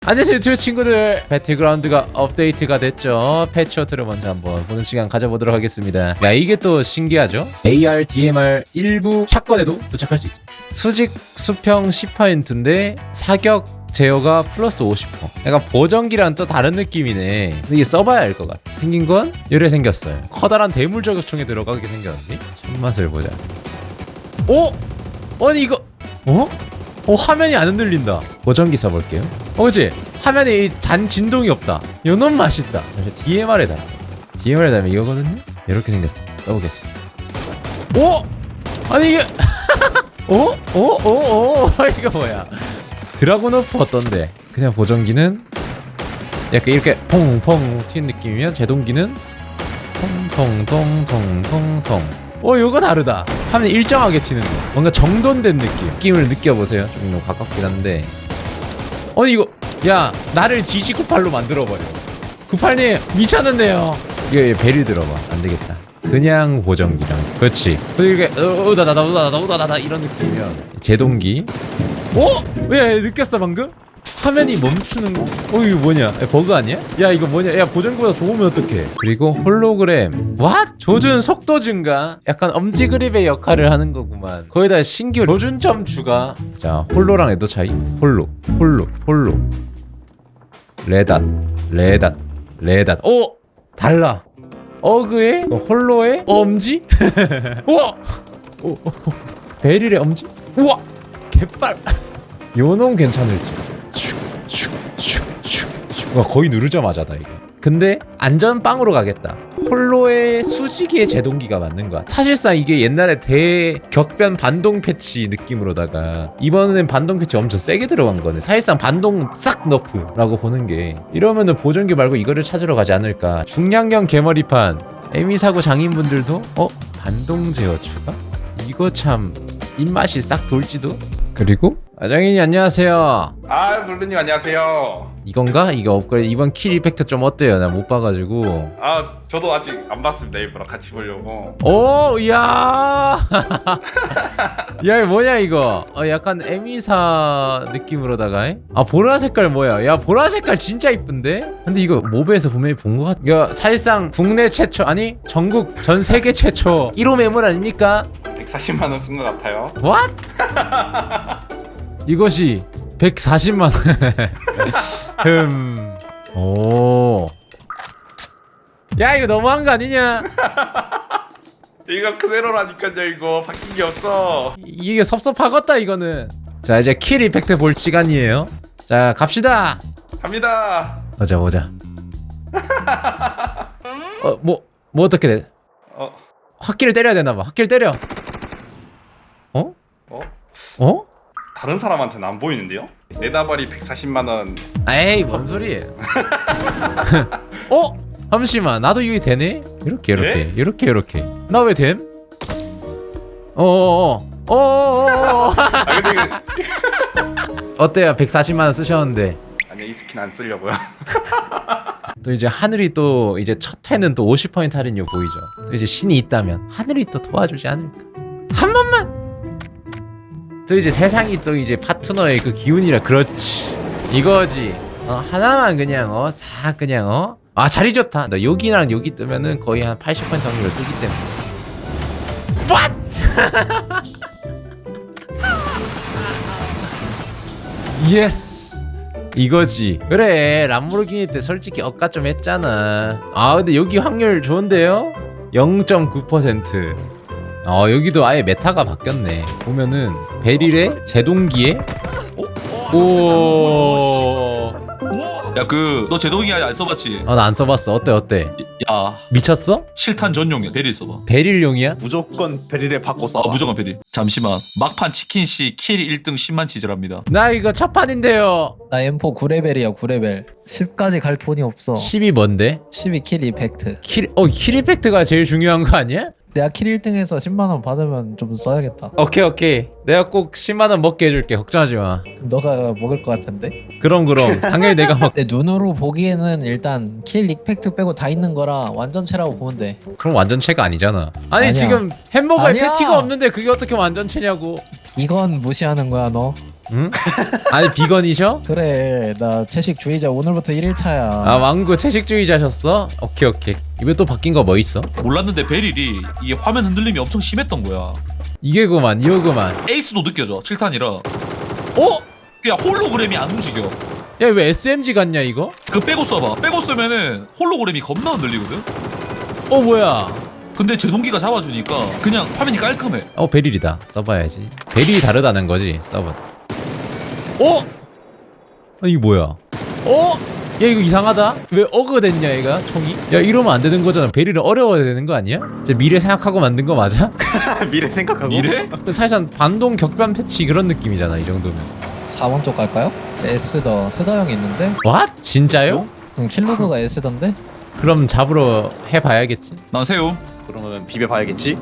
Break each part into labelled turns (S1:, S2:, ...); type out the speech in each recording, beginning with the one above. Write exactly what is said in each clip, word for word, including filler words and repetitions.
S1: 안녕하세요 유튜브 친구들, 배틀그라운드가 업데이트가 됐죠. 패치워트를 먼저 한번 보는 시간 가져보도록 하겠습니다. 야, 이게 또 신기하죠. 에이알, 디엠알 일부 샷건에도 도착할 수 있습니다. 수직 수평 십 퍼센트인데 사격 제어가 플러스 오십 퍼센트. 약간 보정기랑 또 다른 느낌이네. 근데 이게 써봐야 알 것 같아. 생긴 건 이래 생겼어요. 커다란 대물 저격총에 들어가게 생겼는데 손맛을 보자. 오! 아니 이거 어? 어, 화면이 안 흔들린다. 보정기 써볼게요. 어, 그치? 화면에 이 잔 진동이 없다. 요놈 맛있다. 잠시 디엠알에 달아. 디엠알에 달면 이거거든요? 이렇게 생겼습니다. 써보겠습니다. 오! 아니 이게 어? 어? 어? 어? 이거 뭐야? 드라곤오프 어떤데? 그냥 보정기는 약간 이렇게 퐁퐁 튀는 느낌이면 제동기는 통통통통통통. 어, 요거 다르다. 화면 일정하게 튀는 거. 뭔가 정돈된 느낌. 느낌을 느껴보세요. 좀 너무 가깝긴 한데. 어, 이거 야, 나를 지지 구팔로 만들어버려. 구팔님 미쳤는데요. 이거 베리 들어봐. 안 되겠다. 그냥 보정기랑. 그렇지. 이렇게 으다다다 으다다다 으다다다 이런 느낌이면 제동기. 어? 왜 느꼈어 방금? 화면이 멈추는 거? 어, 이거 뭐냐? 버그 아니야? 야, 이거 뭐냐? 야, 보정기보다 좋으면 어떡해? 그리고 홀로그램. What? 조준 속도 증가? 약간 엄지 그립의 역할을 하는 거구만. 거기다 신규 조준점 추가. 자, 홀로랑 에도 차이. 홀로, 홀로, 홀로. 레닷, 레닷, 레닷. 오! 달라. 어그의 홀로의 엄지? 우와! 오, 오, 베릴의 엄지? 우와! 개빨! 요놈 괜찮을지. 와, 거의 누르자마자다 이거. 근데 안전빵으로 가겠다. 홀로의 수직의 제동기가 맞는 거야. 사실상 이게 옛날에 대격변 반동 패치 느낌으로다가 이번엔 반동 패치 엄청 세게 들어간 거네. 사실상 반동 싹 너프라고 보는 게, 이러면은 보정기 말고 이거를 찾으러 가지 않을까. 중량형 개머리판 에미 사고 장인분들도 어? 반동 제어 추가? 이거 참 입맛이 싹 돌지도. 그리고 아장인이 안녕하세요.
S2: 아, 블루님 안녕하세요.
S1: 이건가? 이거 업그레이드. 이번 킬 이펙트 좀 어때요? 나 못 봐가지고.
S2: 아, 저도 아직 안 봤습니다. 일부러 같이 보려고.
S1: 오, 이야. 야, 이거 뭐냐 이거? 어, 약간 에미사 느낌으로다가. 에? 아, 보라 색깔 뭐야? 야, 보라 색깔 진짜 이쁜데? 근데 이거 모브에서 분명히 본 것 같. 이거 사실상 국내 최초, 아니 전국 전 세계 최초 일 호 매물 아닙니까?
S2: 백사십만 원 쓴 것 같아요.
S1: What? 이것이 백사십만 원. 흠. 오. 야, 이거 너무한 거 아니냐?
S2: 이거 그대로라니까요. 이거 바뀐 게 없어.
S1: 이- 이게 섭섭하겠다 이거는. 자, 이제 킬 이펙트 볼 시간이에요. 자, 갑시다.
S2: 갑니다.
S1: 보자 보자. 어, 뭐, 뭐 어떻게 돼?
S2: 어,
S1: 확기를 때려야 되나봐. 확기를 때려. 어?
S2: 어?
S1: 어?
S2: 다른 사람한테는 안 보이는데요? 내 다발이 백사십만 원.
S1: 에이, 뭔 소리예요? 어? 잠시만, 나도 이게 되네? 이렇게 이렇게
S2: 예?
S1: 이렇게 이렇게. 나 왜 됨? 어어어 어어어.
S2: 아, 근데 이거
S1: 어때요? 백사십만 원 쓰셨는데.
S2: 아니, 이 스킨 안 쓰려고요.
S1: 또 이제 하늘이 또 이제 첫 회는 또 오십 퍼센트 할인율 보이죠. 또 이제 신이 있다면 하늘이 또 도와주지 않을까. 한 번만. 또 이제 세상이 또 이제 파트너의 그 기운이라. 그렇지, 이거지. 어, 하나만 그냥 어싹 그냥 어. 아, 자리 좋다. 너 여기랑 여기 뜨면은 거의 한 팔십 퍼센트 확률로 뜨기 때문에. What? 예스. 이거지. 그래, 람보르기니 때 솔직히 억까 좀 했잖아. 아, 근데 여기 확률 좋은데요? 영 점 구 퍼센트. 어, 여기도 아예 메타가 바뀌었네. 보면은 베릴의 제동기에 오.
S3: 야, 그 너 제동기 아직 안 써봤지?
S1: 어, 나 안 써봤어. 어때 어때?
S3: 야,
S1: 미쳤어?
S3: 칠 탄 전용이야. 베릴 써봐.
S1: 베릴용이야?
S4: 무조건 베릴에 바꿔 써.
S3: 아, 무조건 베릴. 잠시만. 막판 치킨씨 킬 일 등 십만 치즈랍니다.
S1: 나 이거 첫 판인데요.
S5: 나 엠포 구 레벨이야 구 레벨. 십까지 갈 돈이 없어.
S1: 십이 뭔데?
S5: 십이 킬 이펙트.
S1: 킬, 어, 킬 이펙트가 제일 중요한 거 아니야?
S5: 내가 킬 일 등에서 십만 원 받으면 좀 써야겠다.
S1: 오케이 오케이. 내가 꼭 십만 원 먹게 해줄게. 걱정하지 마.
S5: 너가 먹을 것 같은데?
S1: 그럼 그럼. 당연히 내가 먹.
S5: 내 눈으로 보기에는 일단 킬 이펙트 빼고 다 있는 거라 완전체라고 보면 돼.
S1: 그럼 완전체가 아니잖아. 아니
S5: 아니야.
S1: 지금 햄버거에
S5: 아니야.
S1: 패티가 없는데 그게 어떻게 완전체냐고.
S5: 이건 무시하는 거야 너.
S1: 응? 아니 비건이셔?
S5: 그래 나 채식주의자 오늘부터 일 일차야.
S1: 아 왕구 채식주의자셨어? 오케이 오케이. 이번에 또 바뀐 거 뭐 있어?
S3: 몰랐는데 베릴이 이게 화면 흔들림이 엄청 심했던 거야.
S1: 이게구만 이거구만.
S3: 에이스도 느껴져. 칠 탄이라.
S1: 어?
S3: 그냥 홀로그램이 안 움직여.
S1: 야 왜 에스엠지 같냐 이거?
S3: 그 빼고 써봐. 빼고 쓰면은 홀로그램이 겁나 흔들리거든.
S1: 어 뭐야?
S3: 근데 제동기가 잡아주니까 그냥 화면이 깔끔해.
S1: 어 베릴이다. 써봐야지. 베릴이 다르다는 거지 서버. 어? 아 이게 뭐야? 어? 야 이거 이상하다. 왜 어그 됐냐 얘가 총이? 야 이러면 안 되는 거잖아. 베릴은 어려워야 되는 거 아니야? 이제 미래 생각하고 만든 거 맞아?
S2: 미래 생각하고.
S3: 미래?
S1: 사실상 반동 격변 패치 그런 느낌이잖아 이 정도면.
S5: 사 번 쪽 갈까요? 에스더 스더 형이 있는데.
S1: 왓? 진짜요?
S5: 응, 킬로그가 에스던데.
S1: 그럼 잡으러 해봐야겠지.
S3: 난 세움.
S2: 그러면 비벼봐야겠지.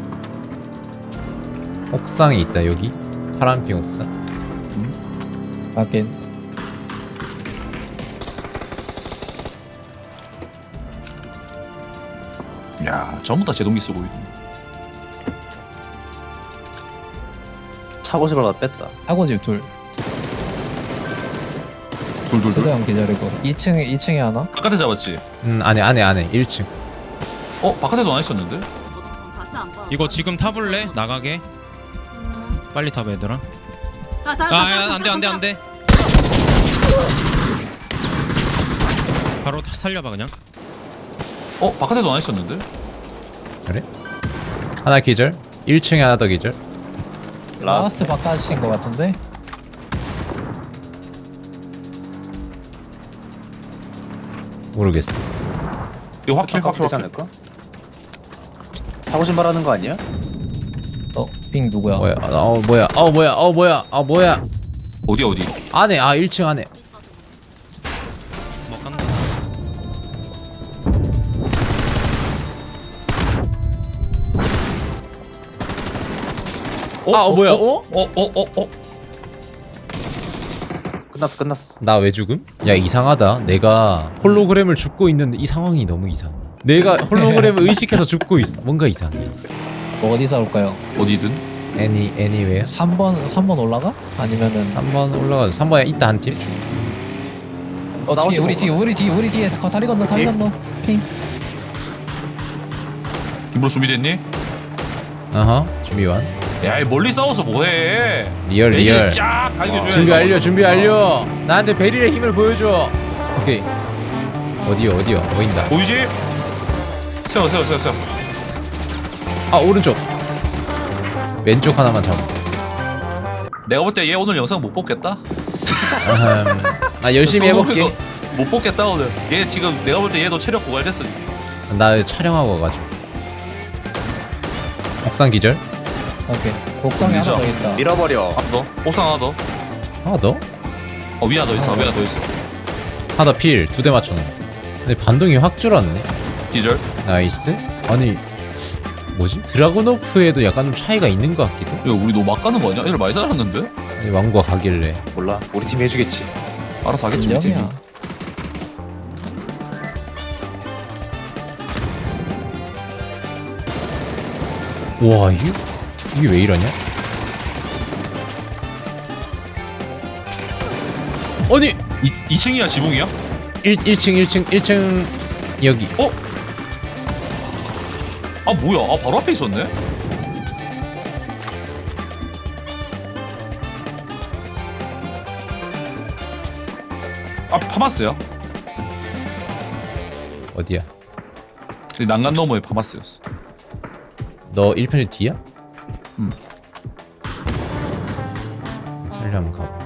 S1: 옥상에 있다 여기. 파란핑 옥상.
S5: 하긴.
S3: 야, 전부 다 제동기 쓰고 있네.
S2: 차고집을 다 뺐다.
S5: 사고집 둘. 스더
S3: 돌돌돌.
S5: 형 기다리고. 이 층에 이 층에 하나.
S3: 바깥에 잡았지.
S1: 음 안에 안에 안에 일 층.
S3: 어, 바깥에도 안 있었는데?
S4: 다시 안 봐.
S6: 이거 지금 타볼래? 나가게?
S4: 음.
S6: 빨리 타봐 얘들아.
S4: 아, 다,
S6: 아 안돼 안돼 안돼. 바로 다 살려봐 그냥.
S3: 어, 바깥에도 안 있었는데?
S1: 그래? 하나 기절. 일 층에 하나 더 기절.
S5: 라스트 바깥인 것 같은데.
S1: 모르겠어.
S3: 이거 확킬 확킬
S2: 되지
S3: 확킬.
S2: 않을까? 차고집 말하는 거 아니야?
S5: 어, 빙 누구야?
S1: 뭐야? 어 뭐야? 어 뭐야? 어 뭐야? 어 뭐야?
S3: 어디 어디?
S1: 안에 아 일 층 안에.
S6: 뭐 간다.
S3: 어,
S1: 아, 어, 뭐야?
S3: 어? 어, 어, 어, 어.
S2: 끝났어 끝났어.
S1: 나 왜 죽음? 야 이상하다. 내가 홀로그램을 죽고 있는데 이 상황이 너무 이상해. 내가 홀로그램을 의식해서 죽고 있어. 뭔가 이상해.
S5: 뭐 어디서 올까요?
S3: 어디든.
S1: 애니 애니웨어.
S5: 삼 번 삼 번 올라가? 아니면은
S1: 삼 번 올라가서 삼 번에 있다 한 팀.
S5: 어
S2: 나오지
S5: 뒤에 우리
S2: 뭐.
S5: 뒤에 우리 뒤에 우리 뒤에 거 다리 건너 다리
S2: 뒤에?
S5: 건너 핑.
S3: 김으로 준비됐니?
S1: 어허 준비 완.
S3: 야, 이 멀리 싸워서 뭐해?
S1: 리얼 리얼.
S3: 쫙 갈겨줘야지.
S1: 준비 완료 준비 완료. 나한테 베릴의 힘을 보여줘. 오케이. 어디요 어디요 보인다.
S3: 보이지? 세워 세워 세워 세워.
S1: 아 오른쪽. 왼쪽 하나만 잡아.
S3: 내가 볼 때 얘 오늘 영상 못 뽑겠다.
S1: 아흠. 나 열심히 해볼게.
S3: 못 뽑겠다 오늘. 얘 지금 내가 볼 때 얘도 체력 고갈됐어.
S1: 나 촬영하고 와가지고. 옥상 기절.
S5: 오케이. 옥상에 하나
S3: 밀자.
S5: 더 있다.
S2: 밀어버려.
S3: 하나 더. 옥상 하나 더.
S1: 하나 더.
S3: 어, 위 하나 더 있어. 위 하나 더 있어.
S1: 하나 필 두 대 맞췄네. 근데 반동이 확 줄었네.
S3: 디젤.
S1: 나이스. 아니 뭐지? 드라곤오프에도 약간 좀 차이가 있는 것 같기도.
S3: 야, 우리 너무 막 가는 거 아니야? 얘들 많이 달았는데?
S1: 아니, 왕과 가길래.
S2: 몰라. 우리 팀이 해주겠지.
S3: 알아서 하겠지. 우리 팀이.
S5: 인정이야.
S1: 와 이게 이게 왜 이러냐? 아니
S3: 이, 이 층이야 지붕이야?
S1: 일 1층 일 층 일 층 여기.
S3: 어? 아 뭐야? 아 바로 앞에 있었네? 아 파마스야?
S1: 어디야?
S3: 이 난간 너머에 파마스였어.
S1: 너 일 편이 뒤야?
S3: 응.
S1: 살려 한번 가봐.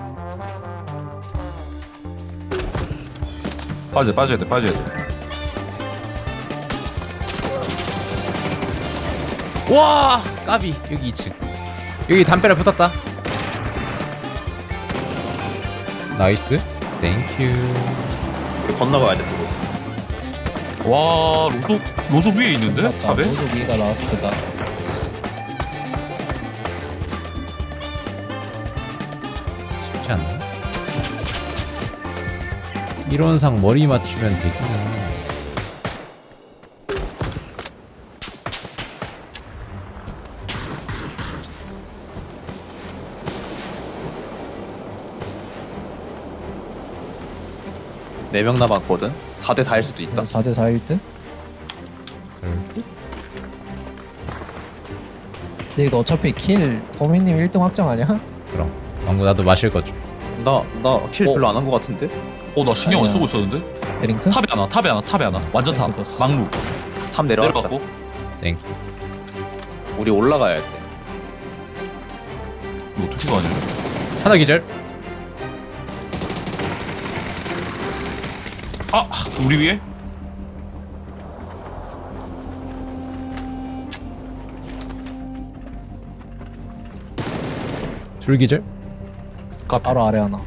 S3: 빠져 빠져야 돼 빠져야 돼.
S1: 와 까비 여기 이 층. 여기 담벼락 붙었다. 나이스. 땡큐.
S2: 우리 건너가야 돼 또.
S3: 와 로조 로조 위에 있는데?
S5: 맞다.
S3: 탑에?
S5: 모두 위가 라스트다.
S1: 쉽지 않나? 이론상 머리 맞추면 되기는.
S7: 네 명 남았거든. 사 대 사일 수도 있다.
S5: 사 대 사일 듯?
S1: 그럴 듯?
S5: 근데 이거 어차피 킬 도미님 일 등 확정 아니야?
S1: 그럼 왕구 나도 마실 거죠.
S7: 나나 킬
S3: 어?
S7: 별로 안 한 거 같은데?
S3: 어 나 신경 안
S5: 아니야.
S3: 쓰고 있었는데.
S5: 베링턴?
S3: 탑에 하나 탑에 하나 탑에 하나 완전 탑.
S5: 이거였어.
S3: 막루
S7: 탑 내려갔다.
S3: 내려갔고.
S1: 땡.
S7: 우리 올라가야 돼.
S3: 이거 어떻게 가냐?
S1: 하나 기절.
S3: 아 우리 위에?
S1: 둘 기절.
S3: 카페.
S5: 바로 아래 하나.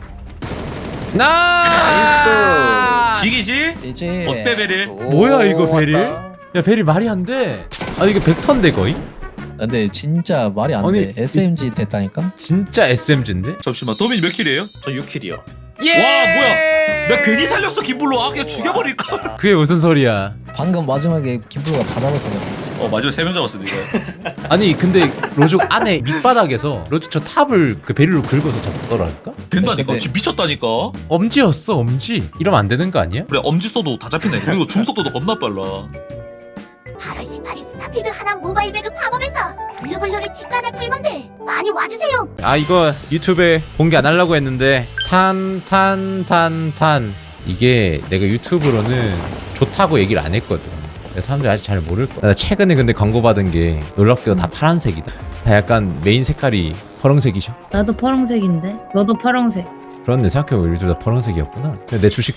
S1: 나.
S3: 지기지?
S5: 이제
S3: 어때 베릴?
S1: 뭐야, 이거
S7: 오,
S1: 베릴?
S7: 왔다.
S1: 야 베리 말이 안 돼. 아 이게 벡터인데 거의?
S5: 근데 진짜 말이 안
S1: 아니,
S5: 돼. 에스엠지 됐다니까?
S1: 진짜 에스엠지인데?
S3: 잠시만 도민이 몇 킬이에요?
S7: 저 육 킬이요.
S1: 예!
S3: 와 뭐야? 나 괜히 살렸어 김블루. 아 그냥 죽여버릴걸.
S1: 그게 무슨 소리야?
S5: 방금 마지막에 김블루가 다 잡았어. 내가.
S3: 어 마지막에 세 명 잡았어 이거.
S1: 아니 근데 로족 안에 밑바닥에서 로족 저 탑을 그 베릴로 긁어서 잡더라니까?
S3: 된다니까.
S5: 근데-
S3: 지금 미쳤다니까.
S1: 엄지였어 엄지. 이러면 안 되는 거 아니야?
S3: 그래 엄지 써도 다 잡힌다 이거. 그리고 줌 속도도 겁나 빨라.
S8: 팔월 십팔일 스타필드 하남 모바일 배그 팝업에서 블루블루를 직관할 풀먼들 많이 와주세요.
S1: 아 이거 유튜브에 공개 안 하려고 했는데 탄 탄 탄 탄 이게 내가 유튜브로는 좋다고 얘기를 안 했거든. 그래서 사람들이 아직 잘 모를 거야. 나 최근에 근데 광고 받은 게 놀랍게도 다 파란색이다. 다 약간 메인 색깔이 파란색이셔.
S9: 나도 파란색인데 너도 파란색.
S1: 그런데 생각해보면 요즘 다 파란색이었구나. 근데 내 주식